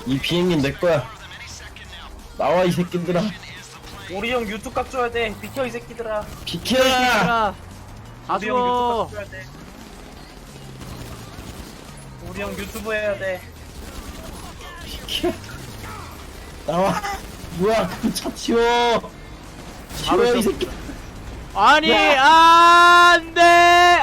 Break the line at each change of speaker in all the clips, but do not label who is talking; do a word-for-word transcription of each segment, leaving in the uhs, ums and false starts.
이 비행기는 내 거야. 나와 이 새끼들아.
우리 형 유튜브 각 줘야 돼. 비켜 이 새끼들아.
비켜.
얘들아 다
우리 형 유튜브
죽어.
각 줘야 돼. 우리 형 유튜브 해야 돼.
비켜. 나와. 뭐야 그 차 치워. 치워 이 새끼.
아니
야!
안돼.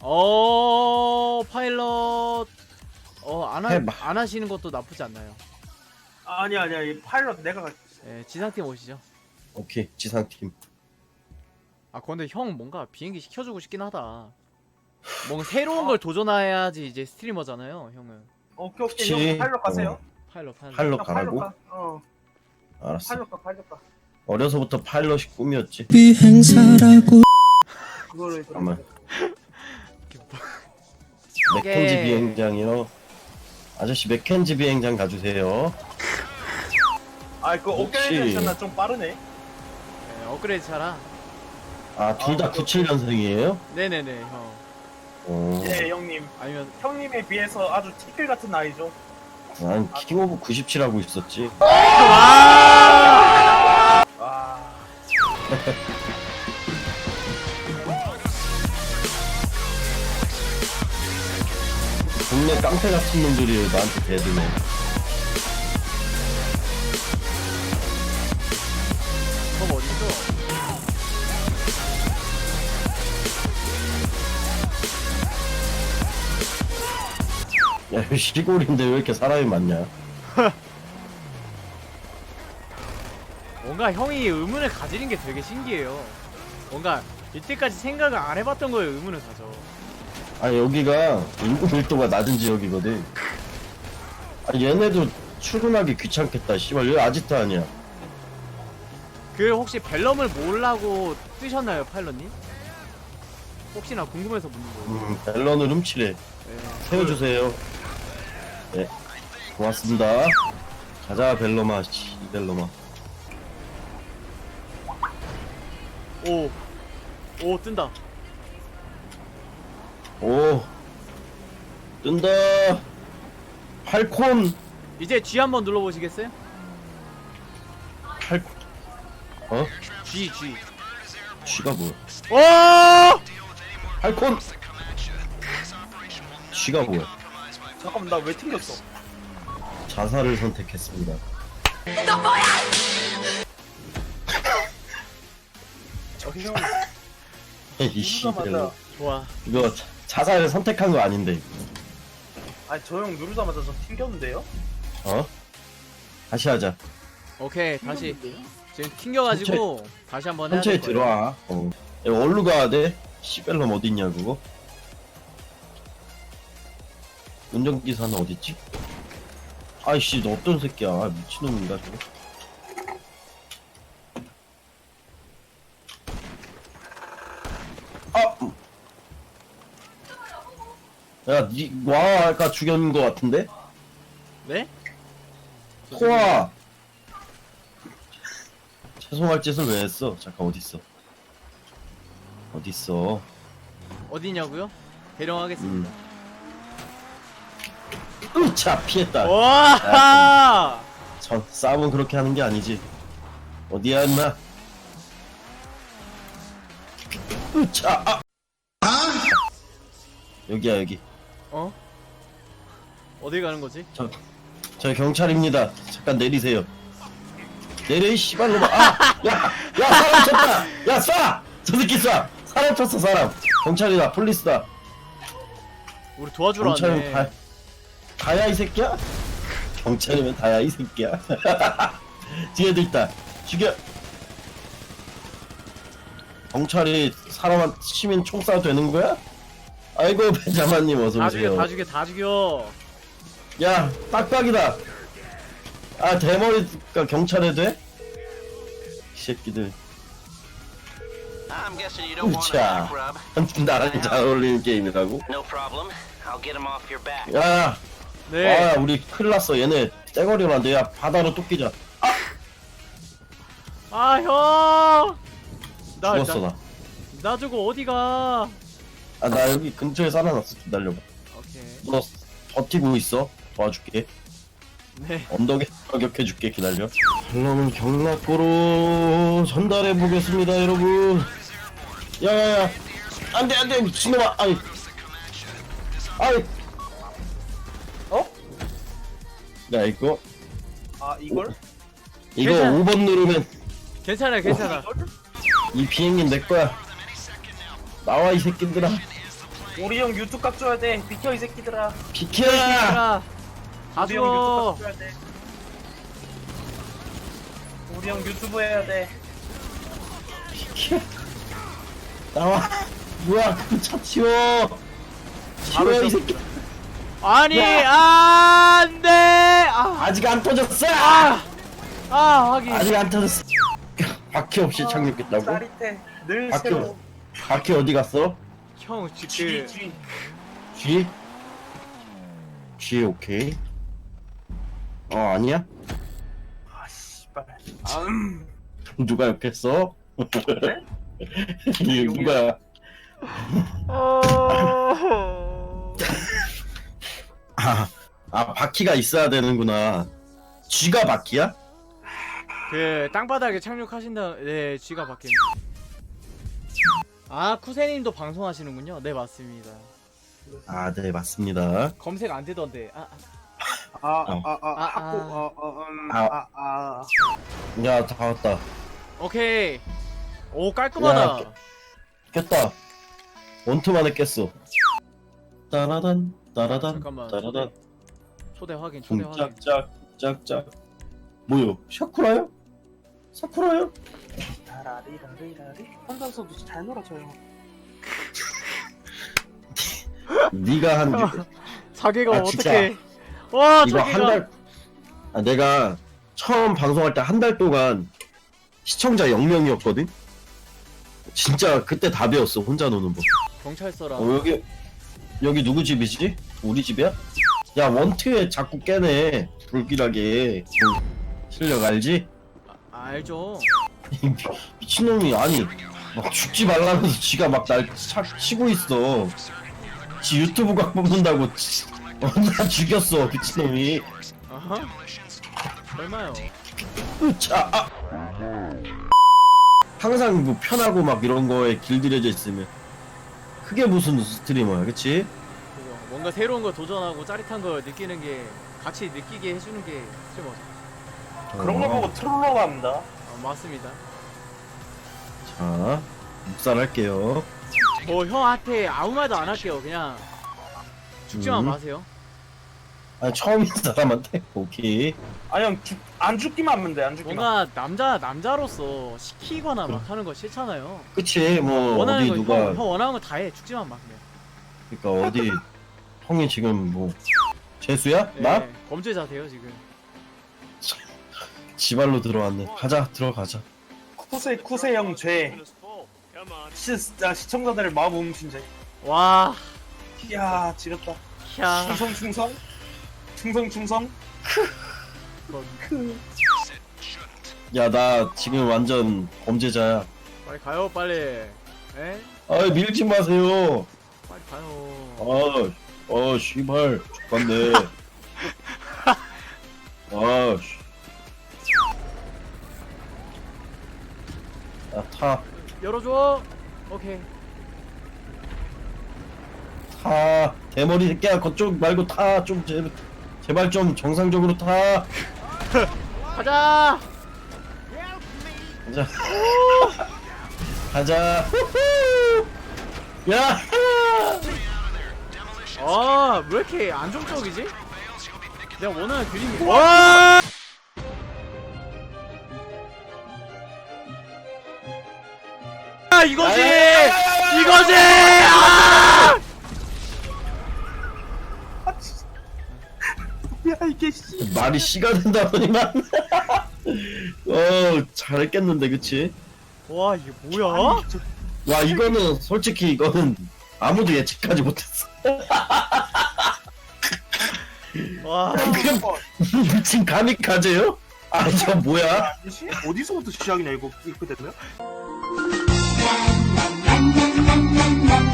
어 파일럿 어안
해봐.
안 하시는 것도 나쁘지 않나요?
아니 아니야 이 파일럿 내가 갈.
예, 지상팀 오시죠.
오케이 지상팀.
아 근데 형 뭔가 비행기 시켜주고 싶긴 하다. 뭔가 새로운 걸 도전해야지 이제 스트리머잖아요, 형은.
오케이
그치.
오케이 형 파일럿 가세요.
어.
파일럿 파일럿.
파일럿
형
가라고?
가. 어
알았어.
파일럿 가 파일럿 가.
어려서부터 파일럿이 꿈이었지.
비행사라고
그거를
잠깐만.
오케이.
맥켄지 비행장이요. 아저씨 맥켄지 비행장 가주세요.
아그
혹시-
오케이션나 좀 빠르네.
예, 업그레이드 차라.
아 둘 다
아,
구십칠 년생이에요?
네네네 형.
어.
예 형님.
아니면
형님에 비해서 아주 티끌 같은 나이죠.
난 킹오브 구십칠 하고 있었지.
와.
와.
동네 깡패 같은 놈들이 나한테 대드네.
그거 어디서?
야 여기 시골인데 왜 이렇게 사람이 많냐?
뭔가 형이 의문을 가지는 게 되게 신기해요. 뭔가 이때까지 생각을 안 해봤던 거에 의문을 가져.
아 여기가 인구 밀도가 낮은 지역이거든. 아 얘네도 출근하기 귀찮겠다. 씨발 여기 아지트 아니야.
그 혹시 벨럼을 몰라고 뜨셨나요, 파일럿님? 혹시나 궁금해서 묻는 거예요.
음 벨런을 훔치래.
네.
세워주세요. 네 고맙습니다. 가자 벨로마. 씨 벨로마.
오, 오 뜬다.
오 뜬다. 팔콘.
이제 G 한번 눌러보시겠어요?
팔콘. 어?
G, G.
쥐가 뭐야?
오!
팔콘. 쥐가 뭐야?
잠깐만 나 왜 튕겼어?
자살을 선택했습니다.
형
이 씨발.
누르자마자
좋아.
이거 자- 자살을 선택한 거 아닌데.
아니 저 형 누르자마자 저 튕겼는데요?
어? 다시 하자.
오케이, 다시. 지금 튕겨가지고 다시 한번 해야
천천히
될 거예요.
들어와. 어. 야, 어디로 가야 돼? 시벨럼 어딨냐 그거? 운전기사는 어딨지? 아이씨 너 어떤 새끼야. 아, 미친놈인가 저거? 아! 야, 니, 와, 아까 죽였는 거 같은데?
네?
코아! 죄송할 짓을 왜 했어? 잠깐, 어딨어? 어딨어?
어디냐고요? 대령하겠습니다.
으차! 피했다.
와!
전 싸움은 그렇게 하는 게 아니지. 어디야 임마? 으차! 아! 여기야 여기.
어? 어디 가는 거지?
저, 저 경찰입니다. 잠깐 내리세요. 내려 이 씨발놈아. 아! 야! 야 사람 쳤다! 야 쏴! 저 새끼 쏴! 사람 쳤어 사람. 경찰이다. 폴리스다.
우리 도와주러
경찰이면
왔네.
다, 다야 이 새끼야? 경찰이면 다야 이 새끼야. 뒤에도 있다. 죽여. 경찰이 사람 시민 총 쏴도 되는 거야? 아이고 벤자마님 어서
다 죽여,
오세요.
다 죽여, 다 죽여.
야 빡빡이다. 아 대머리가 경찰에 돼? 이 새끼들.
I'm guessing you don't want a
으차.
back rub.
나랑 잘 어울리는 게임이라고?
No problem. I'll get him off your back.
야,
네.
아 우리 큰일 났어. 얘네 떼거리로 안돼. 야 바다로 뚝 끼자.
아, 형! 나,
죽었어
나,
나.
나 저거 어디가?
아 나 여기 근처에 살아났어. 기다려봐.
오케이.
너 버티고 있어. 도와줄게.
네.
언덕에 저격해줄게. 기다려. 그러면 경락고로 전달해 보겠습니다, 여러분. 야야야, 안돼 안돼 미친놈아. 아이, 아이.
어?
야 이거
아 이걸?
이거
괜찮아.
오 번 누르면
괜찮아 괜찮아.
이걸?
이 비행기 내 거야. 나와 이 새끼들아.
우리 형 유튜브 각 줘야 돼. 비켜 이 새끼들아.
비켜.
다
우리 형
죽어.
유튜브 각 줘야 돼. 우리 형 유튜브 해야 돼.
비켜. 나와. 뭐야? 그 차 치워.
바로
치워 이
저-
새끼.
아니
야.
안돼. 아,
아직 안 터졌어.
아, 아 하긴.
아직 안 터졌어. 바퀴 없이 착륙했다고?
짜릿해. 늘
바퀴
새로워.
바퀴 어디 갔어?
형
G
지금
G.
G? G 오케이. 어 아니야?
아 씨발. 아음.
누가 욕했어?
그래?
이게 누가?
어...
아, 아 바퀴가 있어야 되는구나. G가 바퀴야?
그 땅바닥에 착륙하신다. 네, 쥐가 바뀐. 아 쿠세님도 방송하시는군요. 네 맞습니다.
아 네 맞습니다.
검색 안 되던데. 아, 아.
아아아
아, 아.
학고 어어음
아.
아아
야 다 왔다.
오케이. 오 깔끔하다.
야, 깼다. 원투만에 깼어. 따라단 따라단
잠깐만.
따라단.
초대 확인. 초대 확인.
짝짝 짝짝. 뭐요? 샤쿠라요? 사쿠라요?
라리라리라리 혼자서도 잘 놀아줘요.
네가 한
자기가
아, 진짜.
어떻게? 와
이거
자기가.
한 달. 아, 내가 처음 방송할 때 한 달 동안 시청자 영 명이었거든. 진짜 그때 다 배웠어. 혼자 노는 법.
경찰서랑.
어 여기 여기 누구 집이지? 우리 집이야? 야 원트에 자꾸 깨네. 불길하게. 실력 알지?
아, 알죠.
이 미친놈이 아니 막 죽지 말라면서 지가 막 날 치고 있어. 지 유튜브 각 뽑는다고 지- 어, 나 죽였어 미친놈이.
아하. 얼마요?
자, 아. 항상 뭐 편하고 막 이런 거에 길들여져 있으면 그게 무슨 스트리머야, 그치?
그거 뭔가 새로운 거 도전하고 짜릿한 걸 느끼는 게 같이 느끼게 해주는 게 스트리머죠.
그런 걸 보고 트롤러 갑니다.
아, 맞습니다.
자, 묵살할게요.
뭐 형한테 아무 말도 안 할게요. 그냥 죽지만
음.
마세요.
아, 처음인 사람한테? 오케이.
아니 형안 죽기만 하면 돼. 안 죽기만.
뭔가 남자 남자로서 시키거나 막 하는 거 싫잖아요.
그치, 뭐,
원하는
어디
거
누가,
형, 형 원하는 거 다 해. 죽지만 마 그냥.
그니까 어디, 형이 지금 뭐, 재수야? 나?
네, 범죄자세요 지금.
지발로 들어왔네. 가자, 들어가자.
쿠세 쿠세 형 죄. 시, 아, 시청자들의 마음 훔친 죄.
와,
이야 지렸다.
캬.
충성 충성. 충성 충성.
야, 나 지금 완전 범죄자야.
빨리 가요 빨리. 에?
아이, 밀지 마세요.
빨리 가요.
아, 어, 씨발, 죽겠네. 아, 씨. 야, 타,
열어줘. 오케이.
타. 대머리 새끼야, 그쪽 말고 타. 좀, 제, 제발 좀 정상적으로 타.
가자.
가자. 가자. 후후. 야!
아, 왜 이렇게 안정적이지? 내가 원하는 그림이. 와! 아, 이거지! 이거지! 아!
야 이게 씨.
말이 씨가 된다 보니만. 어, 잘했겠는데, 그치?
와, 이게 뭐야?
와, 이거는, 솔직히 이거는 아무도 예측하지 못했어.
와.
그냥 미친 가미카제요? 아, 저 뭐야?
씨? 어디서부터 시작이냐 이거 이렇게 되면?
난, 난, 난, 난, 난, 난,